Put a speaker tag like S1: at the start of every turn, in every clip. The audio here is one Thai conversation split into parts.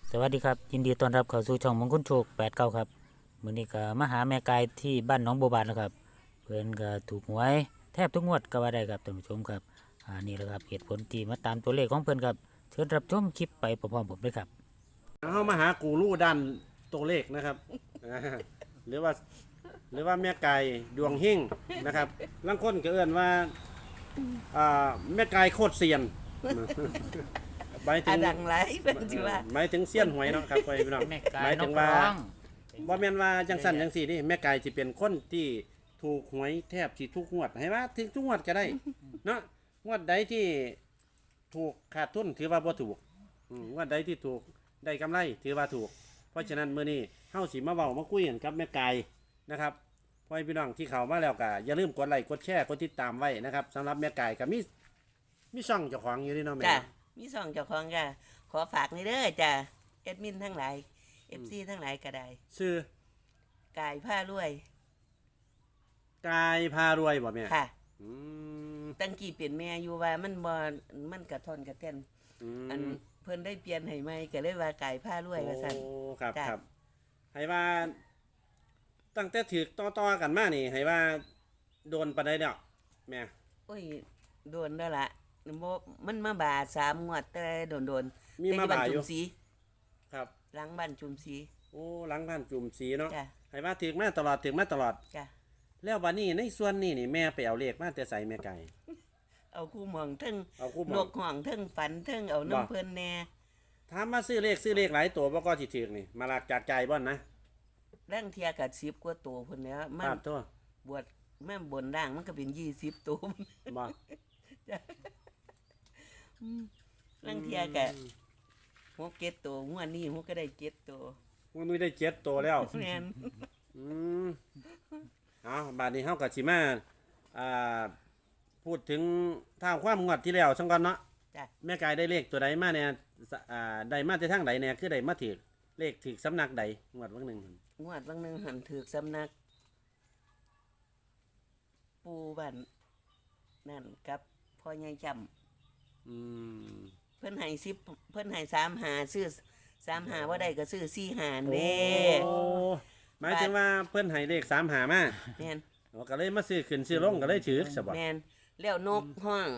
S1: สวัสดีครับยินดีต้อนรับเข้าสู่ช่องมงคลโชค89ครับมื้อนี้ก็มาหาแม่กายที่บ้านหนองบัวบานนะครับเพิ่นก็ถูกหวยแทบทุกงวดก็ว่าได้ครับท่านผู้ชมครับนี่แหละครับเหตุผลที่มาตามตัวเลขของเพิ่นครับเชิญรับชมคลิปไปพร้อมๆผมด้วยครับ
S2: เข้ามาหากูรูด้านตัวเลขนะครับ อ่าหรือว่าแม่ไก่ดวงเฮงนะครับลางคนก็เอื้อนว่าแม่ไก่โคตรเซียนหมายถึ
S3: อาง ดังไรเป็นจิว่า
S2: หมายถึงเซียนหวยเนาะครับพี่น้อง
S1: แม่
S2: ห
S1: กาย
S2: มาย
S1: น
S2: ถึ
S1: ก
S2: ง
S1: ร้
S2: ว่า
S1: อง
S2: บ่แม่นว่าจังสั่นจังสี่นี่แม่ไก่สิเป็นคนที่ถูกหวยแทบสิทุกงวดให้ว่าถึงทุกงวดก็ได้เนาะงวดใดที่ถูกขาดทุนถือว่าบ่ถูกงวดใดที่ถูกได้กำไรถือว่าถูก เพราะฉะนั้นมื้อนี้เฮาสิมาเว้ามาคุยกันกับแม่ไก่นะครับพ่อพี่น้องที่เข้ามาแล้วก็อย่าลืมกดไลค์กดแชร์กดติดตามไว้นะครับสำหรับแม่ไก่ก็มีช่องเจ้าของอยู่นี่เนาะแม่
S3: จ้ะมีสองเจ้าของจ้ะขอฝากนี่เด้อจ้ะแอดมินทั้งหลาย FC ทั้งหลายก็ได้
S2: ชื่อก
S3: ายผ้ารวย
S2: กายพารวยบ่แม่
S3: ค่ะ
S2: อืม
S3: ตั้งกี่เปลี่ยนแม่อยู่ว่ามันกระทอนกระเต้น อันเพิ่นได้เปลี่ยนให้ใหม่ก็เลยว่ากายผ้ารวยว่าซั่น
S2: โอ้ครับ
S3: จ้ะ
S2: ครับให้ว่าตั้งแต่ถือต่อๆกันมานี่ให้ว่าโดนปานใดเนาะแม่
S3: โอ้ยโดนแล้วล่ะบ่มันมาบาด3งวดแต่โดนๆ
S2: มี
S3: แต่
S2: มา
S3: บ้น
S2: บ่ายอ
S3: จุ
S2: ยู่
S3: มศรี
S2: ครับ
S3: หลังบ้านจุมศรี
S2: โอ้หลังบ้านจุ่มสีเนาะ
S3: จ้ะ
S2: ให้ว่าถือมาตลอดถือมาตลอด
S3: จ้ะ
S2: แล้ววันนี้ในส่วนนี้นี่แม่ไปเอาเลขมาแต่ใส่แม่ไก่
S3: เอาคู่หมองเทั้ง
S2: เอาคู่หม
S3: น
S2: อง
S3: กห่องเทั้งฝันเทั้งเอา
S2: บ่
S3: น้ำเพิ่นแน่
S2: ถามมาซื้อเลขหลายตัวบ่ก็สิถือนี่มาลากจากใจบ่นนะ
S3: ร่างเทียกับ10กว่าตัวพุ่นแหล้วมั
S2: ปาน ดตัว
S3: บวชแม่บนร่างมันก็เป็น20ตัว
S2: บ่
S3: ร่างเทียกับ6 7ตัวงวดนี้6ก็ได้7ตัว
S2: มันมีได้7ตัวแล้ว
S3: แม่น
S2: อืมเอาบาดนี้เฮาก็สิมาอ่าพูดถึงท่าความงวดที่แล้วซังก่อนเนาะ
S3: จ้ะ
S2: แม่กายได้เลขตัวใดมาเนี่ยได้มาแต่ทางใดเนี่ยคือได้มาถือเลขถือสำนักใดงวดวันหนึ่งหั่น
S3: งวดบางหนึงหันถือสำนัก ปูบ้านนั่นกับพ่อใหญ่จำ
S2: อืม
S3: เพิ่นให้10เพิ่นให้3หาซื้อ3หาบ่ได้ก็ซื้อ4หาเด้
S2: โอ้หมายถึงว่าเพิ่นให้เลข3หามา
S3: แม่น
S2: ก็เลยมาซื้อขึ้นซื้อลงก็เลยถือซะบ่
S3: แม่นแล้วนกห้อง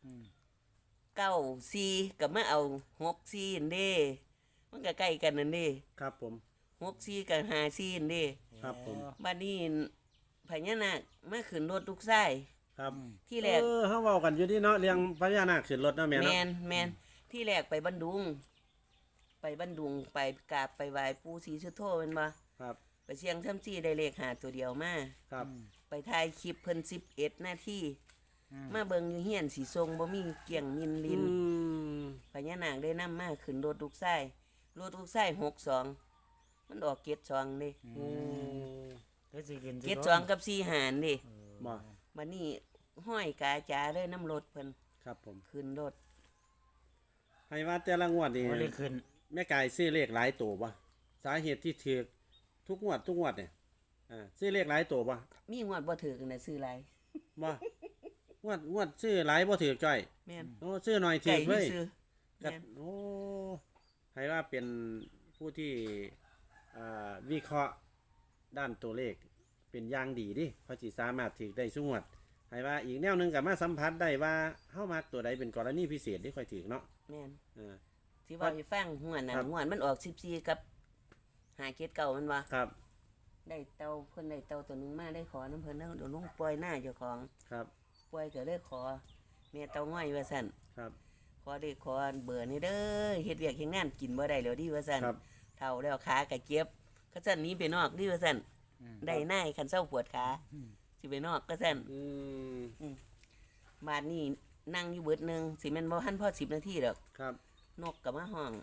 S3: 9 4ก็มาเอา6 4นั่นเด้มันก็ใกล้กันนั่นเด้
S2: ครับผม
S3: 6 4กับ5 4นั่นเด้
S2: ครับผม
S3: บัดนี้พญานาคมาขึ้นรถลูกชาย
S2: ครับ
S3: ที่แรก
S2: เฮาเว้ากันอยู่ที่เนาะเรื่องพญานาคขึ้นรถเนาะแม่
S3: แม
S2: เนาะ
S3: นแมนที่แรกไปบันดุง ไปบันดุงไปกราบไปไหว้ปู่ศรีสุโธแม่นบ่
S2: ครับ
S3: ไปเสียงทํจี้ได้เลขหาตัวเดียวมา
S2: ครับ
S3: ไปถ่ายคลิปเพิ่น11นาทีมาเบิ่งอยู่เฮียนสีทรงบ่มีเกี่ยงมินลิน
S2: ม
S3: พญานาคได้นำมาขึ้นรถลูกชายรถลูกชาย62มันออก72เด้
S2: โอ้
S1: เดี๋ยวสิกินสิ
S3: 72กับ4หารเด้
S2: บ่
S3: บัดนี้ห้อยกาจาเลยน้ำรถเพิ่น
S2: ครับผม
S3: ขึ้นรถ
S2: ให้ว่าแต่ละงวดนี่
S1: บ่ได้ขึ้น
S2: แม่กายซื้อเลขหลายตัวบ่สาเหตุที่ถือทุกงวดเนี่ยซื้อเลขหลายตัวบ่
S3: มีงวดบ่ถือกันน่ะซื้อหลาย
S2: บ่งวดซื้อหลายบ่ถือจ้อย
S3: แม่น
S2: โอ้ซื้อหน่อยถื
S3: ไก่
S2: อ
S3: มี
S2: เว้ย
S3: ซื้อ
S2: กั
S3: แม่น
S2: โอ้ให้ว่าเป็นผู้ที่วิเคราะห์ด้านตัวเลขเป็นอย่างดีดิเขาสิสามารถถือได้สุงวดให้ว่าอีกแนวหนึงก็มาสัมผัสได้ว่าเฮามักตัวใดเป็นกรณีพิเศษที่ค่อยถือเนาะ
S3: แม่น
S2: อ่า
S3: สิว่าให้ฟังหัวนั่น
S2: ครับ
S3: หัวมันออก14กับหาเกตเก่ามันว่า
S2: ครับ
S3: ได้เตาเพิ่นได้เตาตัวหนึงมาได้ขอน้ำเพิ่นแล้วเดี๋ยวลงปล่อยหน้าเจ้าของ
S2: ครับ
S3: ปล่อยก็เลยขอแม่เตาง่อยว่าซั่น
S2: ครับ
S3: ขอได้ขอเบอร์นี่เด้อเฮ็ดเวียกเฮ็ดงานกินบ่ได้แล้วดิว่าซั่น
S2: ครับ
S3: เฒ่าแล้วขาก็เจ็บก็ซั่นหนี้ไปนอกดิว่าซั่นได้นายคันเซาปวดขาสิไปนอกก็ซั่น
S2: อืม
S3: บาดนี้นั่งอยู่เบิดหนึงสิแม่นบ่ทันพอ10นาทีดอก
S2: ครับ
S3: นกก็มาห้อง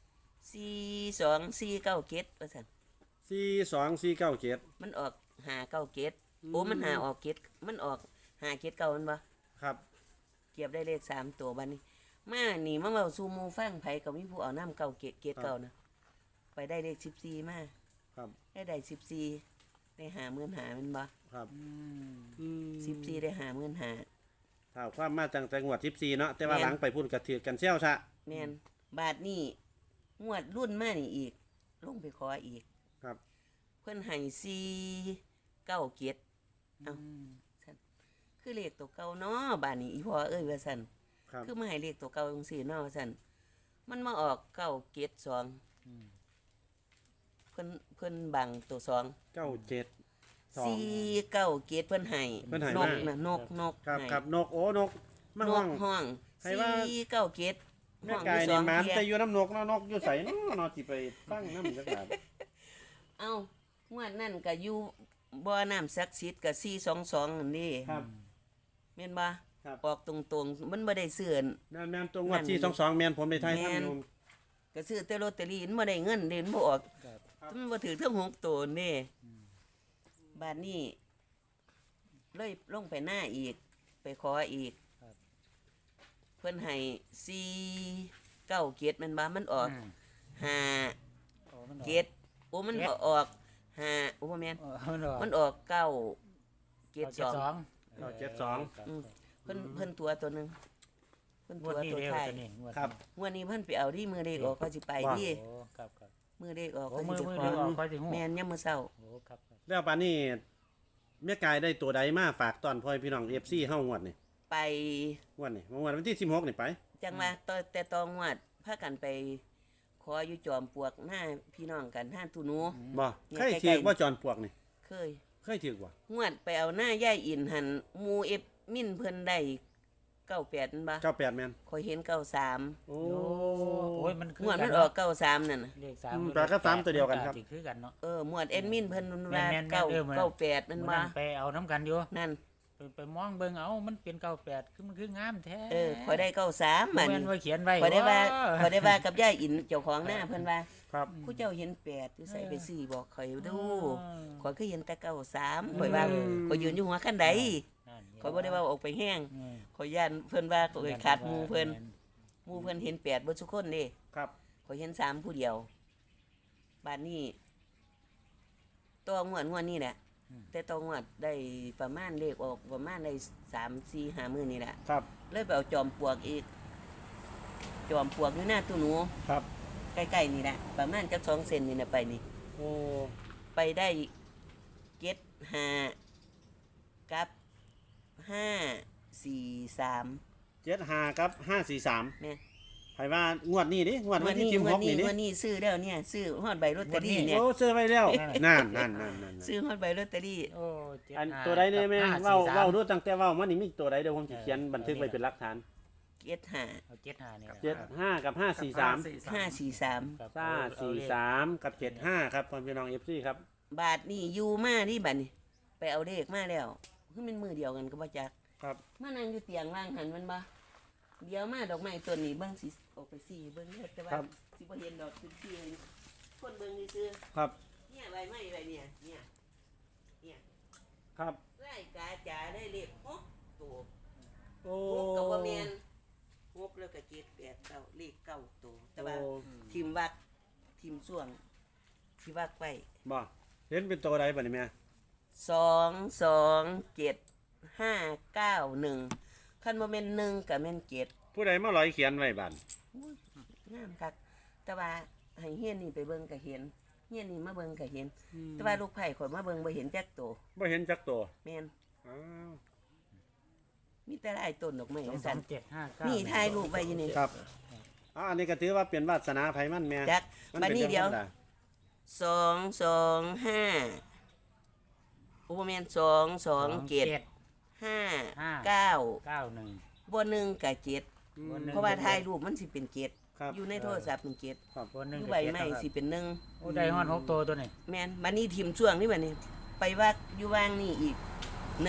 S3: 42497ว่าซั่น
S2: 42497
S3: มันออก597โอ้มันหาออกเกตมันออก579มันบ่
S2: ครับ
S3: เก็บได้เลข3ตัวบัดนี้ มานี่มาเว้าสู่หมู่ฟังไผก็มีผู้เอาน้ำเก่าเกตเก่านะไปได้เลข14มา
S2: ครับ
S3: ได้14ได้50,000หามันบ่
S2: ครับ
S3: 14ได้50,000หา
S2: ถ้าความมาตั้งแต่งวด14เนาะแต่ว่า
S3: แม่น
S2: หลังไปพูดกระถือกันเซี่ยวซะ
S3: แม่นบาทนี้งวดรุ่นมานี่อีกลงไปขออีก
S2: ครับ
S3: เพิ่นให้4 9 7เอ้าซั่นคือเลขตัวเก่าเนาะบ้านนี้อีพ่อเอ้ยว่าซั่น
S2: ครับ
S3: คือมาให้เลขตัวเก่าจังซี่เนาะว่าซั่นมันมาออก9 7 2เพิ่นบังตัว2
S2: เก้าเจ็ดสอง
S3: 4 9 7เพิ่นให้
S2: เพิ่นให้
S3: น
S2: มา
S3: กน่ะนก
S2: ครับ
S3: ให้
S2: ครับนกโอ้นกมาน ห้อก ง
S3: ห้อง
S2: ให้ว่า
S3: 4 9 7
S2: แม่กายนี่หมันแต่อยู่น้ำนกเนาะนกอยู่ไสเนาะเนาะสิไปฟังน้ำจักบาด
S3: เอ้างวดนั่นก็อยู่บ่อน้ำศักดิ์สิทธิ์ก็422นั่นนี่
S2: ครับ
S3: แม่นบ่
S2: ครับ
S3: ออกตรงๆมันบ่ได้ซื้อ
S2: แม่นตัวงวดที่22แม่นผมได้ทาย
S3: แม่
S2: ทำ
S3: น
S2: อยู่
S3: ก็ซื้อแต่ลอตเตอรี่มันบ่ได้เงินเด่นบ่ออก
S1: ครับ
S3: มันบ่ถือทั้ง6ตัวนี่บาดนี้เลยลงไปหน้าอีก ไปขออีก
S1: ครับ
S3: เพิ่นให้4 9 7มันบ่มันออก
S1: อืม
S3: 5
S1: โอ้มันออก
S3: 7โอ้มันบ่ออก5โอ้บ่แม่น
S1: มันออก
S3: มันออก9 7 2
S2: 972
S3: อืมเพิ่นตัวตัวหนึงเพิ่น
S1: ง
S3: ตัว ว
S1: ดนี้
S3: ตัว
S1: เร็ว
S3: ท้าย
S1: ตัวนี้งวด
S2: ครับ
S3: งวดนี้เพิ่นไปเอาที่มือเลขออกเขาสิไป
S2: ว่า
S3: ที่
S1: โอ้ครับครับ
S3: มือเลขออก
S1: โอ้
S3: เขา
S1: มือ
S3: สิ
S1: มือ
S3: ไป
S1: เดียว
S3: ข
S1: อ
S3: อ
S1: อกค่อยสิฮู้
S3: แม่นยามมื้อเช้า
S1: โอ้ครับครับ
S2: แล้วปานนี้แม่กายได้ตัวใดมาฝากตอนพ่อพี่น้อง FC เฮางวดนี่
S3: ไป
S2: งวดนี่งวดวันที่16นี่ไป
S3: จังว่าแต่ตองวดพากันไปขออยู่จอมปลวกหน้าพี่น้องกันห้านตุหนู
S2: บ่
S3: เนี่ย
S2: เคย
S3: ใกล้ๆ
S2: ถือบ่จอนปลวกนี่
S3: เคย
S2: เคยถือบ่
S3: งวดไปเอาหน้าย่ายอินหันหมูเอฟมินเพิ่นได้98นั่นบ่
S2: 98แม่น
S3: ข่อยเห็น93
S2: โอ้
S1: โอ้ยมันคื
S3: งวด
S1: กั
S3: มัน นออก93นั่นน่ะ
S1: เลขสาม
S2: แปลก็สามตัวเดียวกันครับ
S1: สิคือกันเนาะ
S3: หมวดแอดมินเพิ่นว่า
S1: แม่นๆ
S3: เก้า
S1: เออเหมือน
S3: 98นั่น
S1: มื้อ
S3: บ่
S1: นั้นไปเอาน้ำกันอยู่
S3: นั่น
S1: ไปมองเบิ่งเอามันเป็น98คือมันคืองามแท้
S3: ข่อยได้93
S1: มั
S3: มัน น
S1: ว่าเขียนไว้
S3: ข่อยได้ว่า
S1: โอ้
S3: ข่อยได้ว่ากับย่ายอินเจ้าของหน้าเพิ่นว่า
S2: ครับ
S3: ผู้เจ้าเห็น8อยู่ใส่ไป4บอกข่อยดู
S1: อืม
S3: ข่อยคือเห็นแต่93ข่อยว่า
S1: อืม
S3: ข่อยยืนอยู่หัวคันใด
S1: นั่น
S3: ข่อยบ่ได้ว่าออกไปแห้ง
S1: อืม
S3: ข่อยย่านเพิ่นว่าข่อยขาดหมู่เพิ่นหมู่เพิ่นเห็น8เบิดทุกคนเด้
S2: ครับ
S3: ข่อยเห็น3ผู้เดียวบัดนี้ตัวงวดนี้แหละแต่ตัวงวดได้ประมาณเลขออกประมาณได้3 4 5มื้อนี่แหละ
S2: ครับ
S3: เลยไปเอาจอมปลวกอีก จอมปลวกอยู่หน้าตู้หนู
S2: ครับ
S3: ใกล้ๆนี่แหละประมาณจัก2 เซนนี่นะไปนี่
S2: โอ้
S3: ไปได้5กับ543
S2: 75กับ543
S3: แม่
S2: ไผว่างวดนี้ดิงวดวันที่16นี่ดิ
S3: วันนี้ซื้อแล้วเนี่ยซื้อฮอดใบลอตเตอรี่เนี่ย
S2: โอ้ซื้อไว้แล้วนั่น
S3: ซื้อฮอดใบลอตเตอรี่
S1: โอ้เจ็ด
S2: อัน
S1: ห้า
S2: ตัวใดเนี่ยแม่
S1: กับ
S2: เว้า
S1: 543
S2: เว้าดูตั้งแต่เว้ามานี่มีตัวใดเดี๋ยวผมสิเขียนบันทึกไว้เป็นหลักฐาน
S3: เกียรห้า
S1: เอาเจ็ดห้านี่ครับ
S2: 75กับ543
S3: 543
S1: ครับ
S2: 543กับ75ครับพ่อพี่น้อง FC ครับ
S3: บาทนี่อยู่มานี่บัดนี่ไปเอาเลขมาแล้วคือมันมือเดียวกันก็บ่จัก
S2: ครับ
S3: มานั่งอยู่เตียงว่างหันมันบ่เดี๋ยวมาดอกไม้ต้นนี้เบิ่งสิออกไปสิเบิ่งเด้อแต่ว่า
S2: ครับ
S3: สิบ่เห็นดอกสิสิคนเบิ่งซื่อ
S2: ครับ
S3: ๆเนี่ยใบไม้ใบเนี่ยเนี่ย
S2: ครับ
S3: ไล่กาจ๋าได้เลขหกตัว
S2: โอ้
S3: หกกับบ่แม่นหกแล้วก็เจ็ดแปดเก้าเลขเก้าตัวแต่ว่า
S2: โอ้
S3: ทีมวักทีมส่วงที่วักไป
S2: บ่เห็นเป็นตัวใดบัดนี้แม่
S3: 22751คันบ่แม่น1ก็แม่น7
S2: ผู้ใดมาลอยเขียนไว้บัด
S3: งามคักแต่ว่าให้เฮียนนี่ไปเบิ่งก็เห็นเฮียนนี่มาเบิ่งก็เห็น แต่ว่าลูกไผ่ข่อยมาเบิ่งบ่เห็นจักตัว
S2: บ่เห็นจักตัว
S3: แม่น
S2: อ้าว
S3: มีแต่หลายต้นดอกไม้
S1: สอง
S3: ว่า
S1: สา
S3: ซั่
S1: ม
S3: น
S1: เจ็ดห้าเก้า
S3: นี่ถ่ายรูปไว้อยู่นี่
S2: ครับอันนี้ก็ถือว่าเป็นวาสนาไผมันแม่
S3: จัก
S2: มัน
S3: บัด
S2: เป็น
S3: นี้
S2: เรื่องธร
S3: เดี๋ยว
S2: รมดา
S3: 225โอ้บ่แม่น227
S1: ห้า
S3: 5 9
S1: เก้าหนึ่ง
S3: บ่1ก็7
S1: บ่หนึ่ง
S3: เพราะว่าถ่ายรูปมันสิเป็น7
S2: ครับ
S3: อยู่ในโทรศัพท์เป็น7
S1: บนหนึ่ง
S3: อยู่
S1: กับ
S3: ใบ
S1: เจ็ด
S3: ไม้
S1: นะครับ
S3: สิเป็น1
S1: โอ้ได้ฮอดหกตัวตัวนี้
S3: แม่นบัดนี้ทีมช่วงนี่บัดนี้ ไปว่าอยู่ว่างนี่อีก151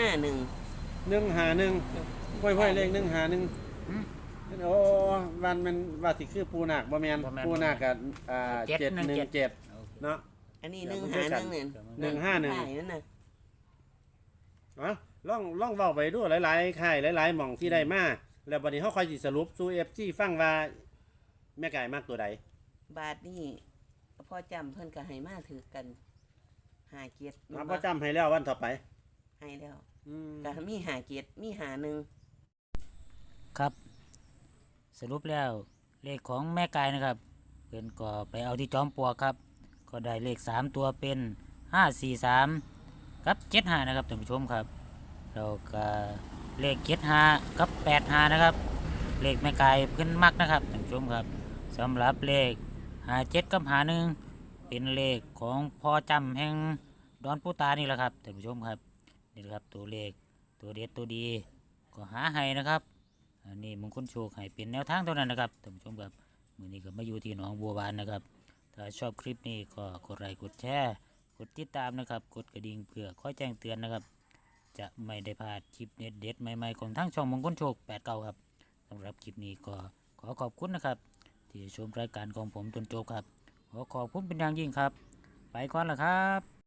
S2: 151ห้วยๆเลข151โอ้วันมันว่าสิคือปูนาคบ่แม่นปูนาคก็717 เนาะ
S3: อันนี้
S2: เดี๋ยว
S3: 151
S2: มัน
S3: เนี่ย
S2: 151
S3: ถ่ายนั่นน่ะ
S2: อ๋อลองเว้าไปดูหลายๆค่ายหลายๆหม่องที่ได้มาแล้วบัดนี้เฮาค่อยสิสรุปสู่ FG ฟังว่าแม่ไก่มากตัวใด
S3: บาทนี่พ่อจำเพิ่นก็ให้มาถือกัน5เกียรติ
S2: มาพอจำให้แล้ววันต่อไป
S3: ให้แล้ว
S2: อืม
S3: ก็มี5เกียรติมี5
S1: ครับ สรุปแล้วเลขของแม่กายนะครับพื่อนก็ไปเอาที่จอมปลวกครับก็ได้เลข3ตัวเป็น543กับ75นะครับท่านผู้ชมครับแล้วก็เลข75กับ85นะครับเลขแม่ไก่เพื่อนมักนะครับท่านผู้ชมครับสำหรับเลข57กับ51เป็นเลขของพ่อจำแห่งดอนปูตานี่แหละครับท่านผู้ชมครับนี่แหละครับตัวเลขตัวเด็ดตัวดีก็หาให้นะครับอันนี้มงคลโชคให้เป็นแนวทางเท่านั้นนะครับท่านผู้ชมครับมื้อนี้ก็มาอยู่ที่หนองบัวบานนะครับถ้าชอบคลิปนี้ก็กดไลค์กดแชร์กดติดตามนะครับกดกระดิ่งเพื่อคอยแจ้งเตือนนะครับจะไม่ได้พลาดคลิปเด็ดๆใหม่ๆของทั้งช่องมงคลโชค89ครับสำหรับคลิปนี้ก็ขอขอบคุณนะครับที่ชมรายการของผมจนจบครับขอขอบคุณเป็นอย่างยิ่งครับไปก่อนละครับ